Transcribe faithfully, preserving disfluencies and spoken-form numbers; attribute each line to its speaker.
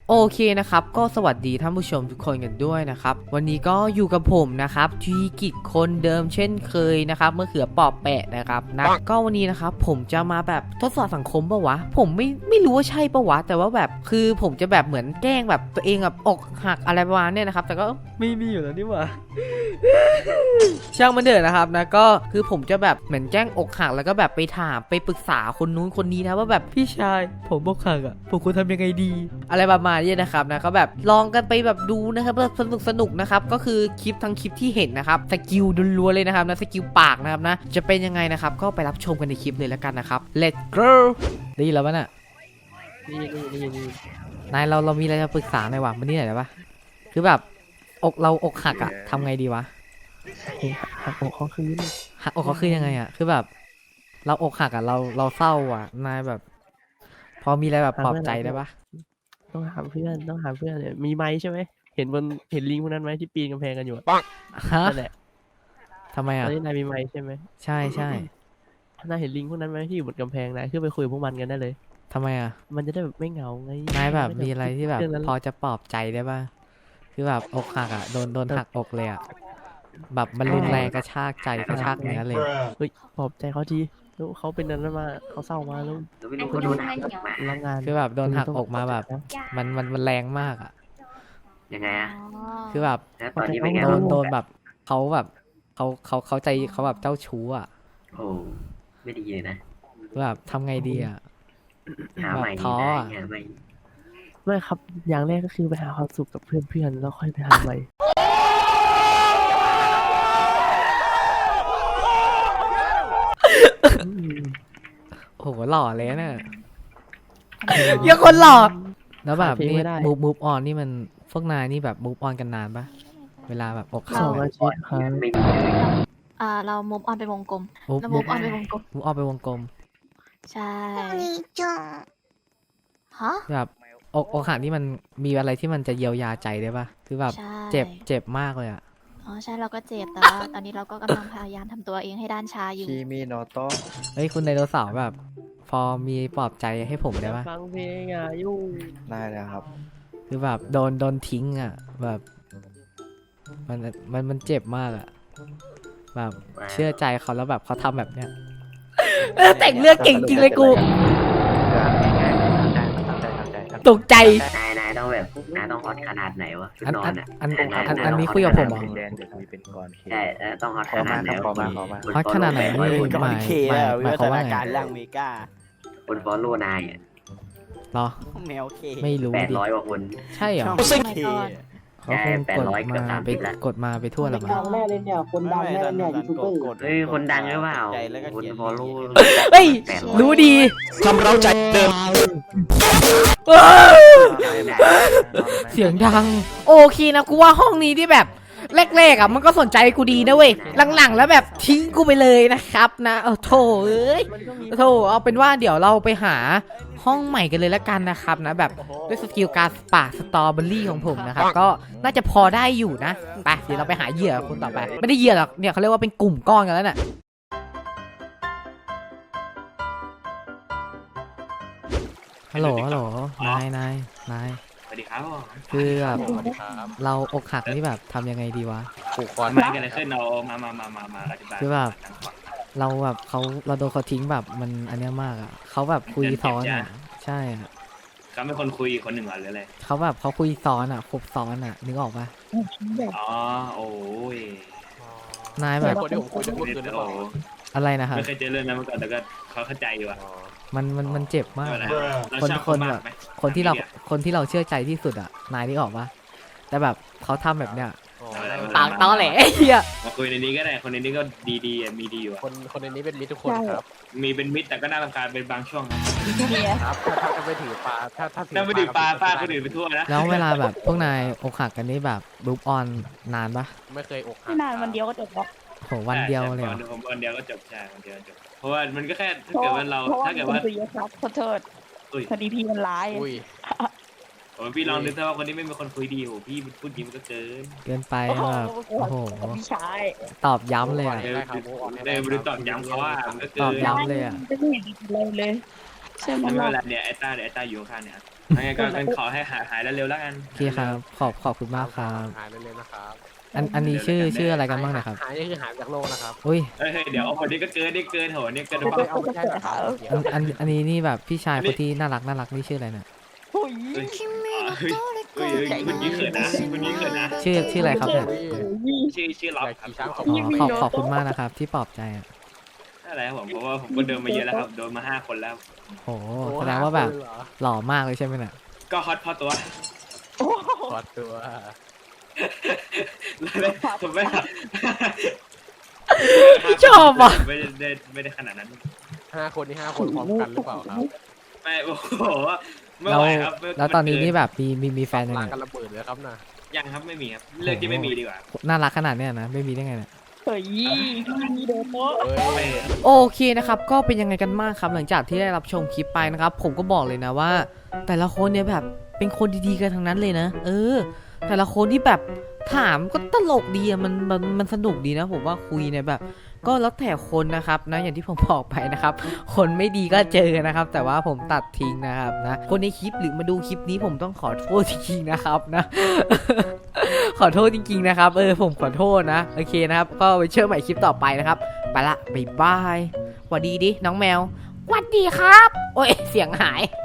Speaker 1: โอเคนะครับก็สวัสดีท่านผู้ชมทุกคนกันด้วยนะครับวันนี้ก็อยู่กับผมนะครับทีกิจคนเดิมเช่นเคยนะครับเมื่อเขือปอบแปะนะครับนะก็วันนี้นะครับผมจะมาแบบทดสอบสังคมปะวะผมไม่ไม่รู้ว่าใช่ปะวะแต่ว่าแบบคือผมจะแบบเหมือนแกล้งแบบตัวเองแบบอกหักอะไรประมาณนี้นะครับแต่ก็ไม่มีอยู่แล้วนี่หว่า ช่างมันเถอะนะครับนะก็คือผมจะแบบเหมือนแจ้งอกหักแล้วก็แบบไปถามไปปรึกษาคนนู้นคนนี้นะว่าแบบพี่ชายผมอกหักอ่ะผมควรทำยังไงดีอะไรประมาณนี้นะครับนะก็แบบลองกันไปแบบดูนะครับสนุกสนุกนะครับก็คือคลิปทั้งคลิปที่เห็นนะครับสกิลล้วนๆเลยนะครับนะสกิลปากนะครับนะจะเป็นยังไงนะครับก็ไปรับชมกันในคลิปเลยแล้วกันนะครับ Let's go ได้ยินแล้วปะน่ะ
Speaker 2: นี่นี่นี่นี่
Speaker 1: นายเราเรามีอะไรจะปรึกษาหน่อยวะมันนี่หน่อยได้ปะคือแบบอกเราอกหักอ่ะทำไงดีวะ
Speaker 2: หักอกเขาคืน
Speaker 1: หักอกเขาคือยังไงอ่ะคือแบบเราอกหักอ่ะเราเราเศร้าอ่ะนายแบบ พอมีอะไรแบบปลอบใจได้ปะ
Speaker 2: ต้องหาเพื่อนต้องหาเพื่อนเนี่ยมีไม้ใช่ไหมเห็นบนเห็นลิงพวกนั้นไหมที่ปีนกำแพงกันอยู่ปัง
Speaker 1: ฮะ
Speaker 2: นั่นแหละ
Speaker 1: ทำไม
Speaker 2: ตอ
Speaker 1: อ่ะ
Speaker 2: นนี้นายมีไม้ใช่ไหม
Speaker 1: ใช่ใช่
Speaker 2: นายเห็นลิงพวกนั้นไหมที่อยู่บนกำแพงนายขึ้นไปคุยกับพวกมันกันได้เลย
Speaker 1: ทำไมอ่ะ
Speaker 2: มันจะได้แบบไม่เหงาไง
Speaker 1: นายแบบมีอะไรที่แบบ
Speaker 2: เรื่องนั้น
Speaker 1: พอจะปลอบใจได้ปะคือแบบอกหักอ่ะโดนโดนหักอกเลยอ่ะแบบมันรุนแรงกระชากใจกระชากเนื้อเลย
Speaker 2: เฮ้ยปลอบใจเขาทีแล้วเขาเป็นนั้นมาเขาเศร้ามาแล้ว
Speaker 3: ไม่รู้เขาโดนหักอกมา
Speaker 2: รังงาน
Speaker 1: คือแบบโดนหักอกมาแบบมันมันมันแรงมากอ่ะ
Speaker 3: ยังไงอะ
Speaker 1: คือแบบ
Speaker 3: แล้วตอนนี้เป็นไง
Speaker 1: โด
Speaker 3: บ้าน ง
Speaker 1: โดนแบบเขาแบบเขาเขาเขาใจเขาแบบเจ้าชู้อ่ะ
Speaker 3: โอ้ไม่ดีเลยนะ
Speaker 1: คือแบบทำไงดีอ่ะ
Speaker 3: หาใหม่
Speaker 1: แบบ
Speaker 3: ดี
Speaker 1: ท้อ
Speaker 3: นะ
Speaker 1: อะ
Speaker 3: หาใหม่
Speaker 2: ไม่ครับ อย่างแรกก็คือไปหาความสุขกับเพื่อนๆแล้วค่อยไปหาใหม่
Speaker 1: โอ้โหหล่อเลยนะเยอะคนหล่อแล้วแบบ
Speaker 2: เพลง
Speaker 1: นี่
Speaker 2: ไม่ได้
Speaker 1: มูฟมูฟออนนี่มันพวกนายนี่แบบมูฟออนกันนานปะเวลาแบบอกหั
Speaker 2: ส
Speaker 1: ก
Speaker 2: องอาทิตย์ครับ
Speaker 3: ไม่ดีเลย
Speaker 4: อ่าเรามุฟออนไปวงกลม
Speaker 1: มูฟ
Speaker 4: เรา
Speaker 1: มู
Speaker 4: มุ
Speaker 1: ฟ
Speaker 4: ฟออนไปวงกลม
Speaker 1: มูฟออนไปวงกลม
Speaker 4: ใช่ฮะ
Speaker 1: แบบอกอกหักนี่มันมีอะไรที่มันจะเยียวยาใจได้ปะคือแบบ
Speaker 4: ใช่
Speaker 1: เจ็บเจ็บมากเลยอ่ะ
Speaker 4: อ๋อใช่เราก็เจ็บแต่ว่าตอนนี้เราก็กำลังพยายามทำตัวเองให้ด้านชาอยู่
Speaker 5: คีมิโนโตะ
Speaker 1: เฮ้ยคุณไดโนเสาร์แบบ พอมีปลอบใจให้ผมได้ปะ
Speaker 2: ฟังเพลงอ่ะยุ่ง
Speaker 5: ได้แล้วครับ
Speaker 1: คือแบบโดนโดนทิ้งอ่ะแบบมันมันมันเจ็บมากอ่ะแบบเชื่อใจเขาแล้วแบบเขาทำแบบเนี้ยเออแต่งเรื่องเก่งจริงเลยกู ตกใจ
Speaker 3: นายนายต้องแบบนายต้องฮอตขนาดไหนวะชุด
Speaker 1: อัน
Speaker 3: นอ
Speaker 1: อั
Speaker 3: น
Speaker 1: น
Speaker 3: อะ
Speaker 1: อัน
Speaker 3: นาย
Speaker 1: อัน
Speaker 3: นาย
Speaker 1: อัน
Speaker 3: ต้ง
Speaker 1: นี้
Speaker 3: ฮต
Speaker 1: คุยกับผมเหรอ
Speaker 3: ขนาดไหน
Speaker 5: แดงเดี๋ยวมีเป็นก่อนเค
Speaker 3: ใช่เออต้องฮอต
Speaker 5: ข
Speaker 3: ข
Speaker 5: อ
Speaker 3: นา
Speaker 5: มา
Speaker 3: ดไหน
Speaker 5: ครับขอมาขอมา
Speaker 1: ฮอตขนาดไหนนี่
Speaker 5: ก่อนเคแล้ว
Speaker 1: หมาย
Speaker 5: วิ
Speaker 1: หมาย
Speaker 5: วั
Speaker 1: ความว่า
Speaker 5: ฒนา
Speaker 1: ไง
Speaker 5: การร่างเมกา
Speaker 3: คนฟอลโล่นายอะ
Speaker 1: เหรอ
Speaker 5: แมวเค
Speaker 1: ไม่รู้
Speaker 3: แปด
Speaker 1: ดิ
Speaker 3: ร้อยกว่าคน
Speaker 1: ใช่เหรอ
Speaker 5: ช่อง
Speaker 4: สมัย
Speaker 5: เค
Speaker 4: ก่อน
Speaker 1: เขาคงกดมาไปกดมาไปทั่วแล้วมั้ง
Speaker 6: ดังแน่เลยเนี่ย คนดังแน่เลยเนี่ยยูทูบเบอร์
Speaker 3: เฮ้ยคนดังหรือเปล่า
Speaker 5: ใจแล้วก็
Speaker 3: คน
Speaker 5: เขียน
Speaker 3: ฟอลโล่
Speaker 1: เฮ้ย
Speaker 3: แปดร้อย
Speaker 1: รู้ดี
Speaker 5: ทำเราใจเดิม
Speaker 1: เสียงดัง โอเคนะกูว่าห้องนี้ที่แบบแรกๆอ่ะมันก็สนใจกูดีนะเว้ยหลังๆแล้วแบบทิ้งกูไปเลยนะครับนะเออโถเอ้ยโถเอาเป็นว่าเดี๋ยวเราไปหาห้องใหม่กันเลยละกันนะครับนะแบบด้วยสกิลการปากสตรอเบอรี่ของผมนะครับก็น่าจะพอได้อยู่นะไปเดี๋ยวเราไปหาเหยื่อคนต่อไปไม่ได้เหยื่อหรอกเนี่ยเขาเรียกว่าเป็นกลุ่มก้อนกันแล้วน่ะฮัลโหลฮัลโหลนายนายนาย
Speaker 7: สวัสดีครับ
Speaker 1: คือแบบ
Speaker 5: สวัสดีครับ
Speaker 1: เราอกหักนี่แบบทำยังไงดีวะ
Speaker 5: ผูกคอ
Speaker 7: มันเกิดอะไรขึ้นเรามามามามามาอธิบาย
Speaker 1: คือแบบ เราแบบเขาเราโดนเขาทิ้งแบบมันอันเนี้ยมากอ่ะเขาแบบคุยซ้อนอ่ะใช่อ่ะ
Speaker 7: เขาเป็นคนคุยอีกคนหนึ่งเหรอหรืออะไร
Speaker 1: เขาแบบเขาคุยซ้อนอ่ะคบซ้อนอ่ะนึกออกปะ
Speaker 7: อ๋อโอ้ย
Speaker 1: นายแบบ
Speaker 5: คนที่ผมคุยจะพูดคือหรือเป
Speaker 7: โอ้
Speaker 5: ล่า
Speaker 1: อะไรนะครับ
Speaker 7: ไม่เคยเจอเรื่องนั้นมาก่อนแต่ก็เขาเข้าใจอยู่อะ
Speaker 1: มันมันมันเจ็บมาก
Speaker 7: ไม่
Speaker 1: อะ
Speaker 7: เป็นไรเราชอบเขามากไหม
Speaker 1: คนที่เราคนที่เราเชื่อใจที่สุดอ่ะนายนึกออกปะแต่แบบเขาทำแบบเนี้ยปากตอแหลไอ้เหี้ย
Speaker 7: มาคุยในนี้ก็ได้คนในนี้ก็ดีดีๆอะมีดีอยู่อะ
Speaker 5: คนคนในนี้เป็นมิตรทุกคนครับ
Speaker 7: มีเป็นมิตรแต่ก็น่ารำคาญเป็นบางช่วงนะ
Speaker 5: ครับถ้าถ้าไปถือปลาถ้าถ้า
Speaker 7: ถ้าไปดื่มปลาฟาดคนอื่นไปทั่วนะ
Speaker 1: แล้วเวลาแบบพวกนายอกหักกันนี่แบบรูปออนนานปะ
Speaker 5: ไม่เคยอกหัก
Speaker 6: ไม่นานวันเดียวก็จบแล้ว
Speaker 1: โหวันเดียวเลยเหรอ
Speaker 7: ใช่ผมวันเดียวก็จบใช่วันเดียวจบเพราะว่ามันก็แค่ถ้าเกิดว่าเรา
Speaker 6: เพราะว่า
Speaker 7: ถ้าเกิด
Speaker 6: คน
Speaker 7: ว่า
Speaker 6: คุยเยอะครับขอโทษ
Speaker 7: อุ้ย
Speaker 6: พอดีพี่มันร้าย
Speaker 5: อุ้ย
Speaker 7: ผมพี่ลองนึกถ้าว่าคนนี้ไม่มีคนคุยดีโหพี่พูดจริงมันก็เกิน
Speaker 1: เกินไป
Speaker 6: โอ้โห
Speaker 1: แบบโอ้โห
Speaker 6: พี่ชาย
Speaker 1: ตอบย้ำเลยอ่ะ
Speaker 7: เออเออไม่รู้ตอบย้ำเขาว่ามันก็เกิ
Speaker 1: ตอบ
Speaker 7: น
Speaker 1: ย้ำเลยอะ
Speaker 6: ไม่เห็นดีเลยเลยใช่ไหม
Speaker 7: ไม่เป็น
Speaker 6: ล่ะ
Speaker 7: ไรเนี่ยไอ้ต้าเนี่ยไอ้ต้าอยู่ข้างเนี่ยยังไงก็ก็ขอให้หายหายเร็วๆแล้วกัน
Speaker 1: โอเคครับขอบขอบคุณมากครับ
Speaker 5: หายเร็วๆนะครับ
Speaker 1: อันอันนี้ชื่อชื่ออะไรกันบ้างนะครับ
Speaker 5: หายนี่คือหายจากโลกนะครับ
Speaker 1: อุ้ย
Speaker 7: เฮ้ยเดี๋ยวโอ้โหนี่ก็เกินนี่เกินโหนี่เกิน
Speaker 5: ไม่
Speaker 7: ไป
Speaker 5: เอาไม่ได้นะครับ
Speaker 1: อันอันอันนี้นี่แบบพี่ชายคนที่น่ารักน่ารักนี่ชื่ออะไรนะ
Speaker 6: โอ้ย
Speaker 7: เฮ้ยเฮ้ยเฮ้ยคุณยิ้มเขินนะคุณยิ้มเขินนะ
Speaker 1: ชื่อชื่ออะไรครับเนี่ย
Speaker 7: ชื่อชื่อล็อบ
Speaker 5: อยาก
Speaker 7: ครับ
Speaker 5: ขี่ช้างขอบ
Speaker 1: อ๋อขอบขอบคุณมากนะครับที่ปลอบใจอ่ะ
Speaker 7: อะไรครับผมเพราะว่าผมก็เดินมาเยอะแล้วครับโดนมาห้าคนแล้ว
Speaker 1: โหแสดงว่าแบบหล่อมากเลยใช่ไหมเนี่ย
Speaker 7: ก็ฮอตพอตัว
Speaker 5: ถอดตัว
Speaker 7: ผมไม่
Speaker 1: ชอบอ่ะ
Speaker 7: ไม่ได้ไม่ได้ขนาดนั้น
Speaker 5: ห้าคนนี่ห้าคนพร้อมกันหรือเปล่าครับ
Speaker 7: ไม่โอ้โหไม่
Speaker 1: แล้ว
Speaker 7: ไหวครับ
Speaker 1: แล้วตอนนี้นี่แบบมีมีมีแฟนยัง
Speaker 5: ลา
Speaker 1: ไง
Speaker 5: กันระเบิดเลยครับนะ
Speaker 7: ยังครับไม่มีครับเลือกที่ไม่มีดีกว่า
Speaker 1: น่ารักขนาดเนี้ยนะไม่มีได้ไงเนี่ย
Speaker 6: เฮ้ยมีโดนโต๊ะ
Speaker 5: เฮ้ย
Speaker 7: ไม่
Speaker 1: โอเคนะครับก็เป็นยังไงกันบ้างครับหลังจากที่ได้รับชมคลิปไปนะครับ ผมก็บอกเลยนะว่า แต่ละคนเนี่ยแบบเป็นคนดีๆกันทั้งนั้นเลยนะ เออ แต่ละคนที่แบบถามก็ตลกดีอะมันมันมันสนุกดีนะ ผมว่าคุยเนี่ยแบบ ก็แล้วแต่คนนะครับนะอย่างที่ผมบอกไปนะครับ คนไม่ดีก็เจอนะครับ แต่ว่าผมตัดทิ้งนะครับนะคนในคลิปหรือมาดูคลิปนี้ผมต้องขอโทษจริงๆนะครับนะ ขอโทษจริงๆนะครับเออผมขอโทษนะโอเคนะครับก็ไปเชื่อใหม่คลิปต่อไปนะครับไปละบ๊ายบายหวัดดีดิน้องแมวหวัดดีครับโอ้ยเสียงหาย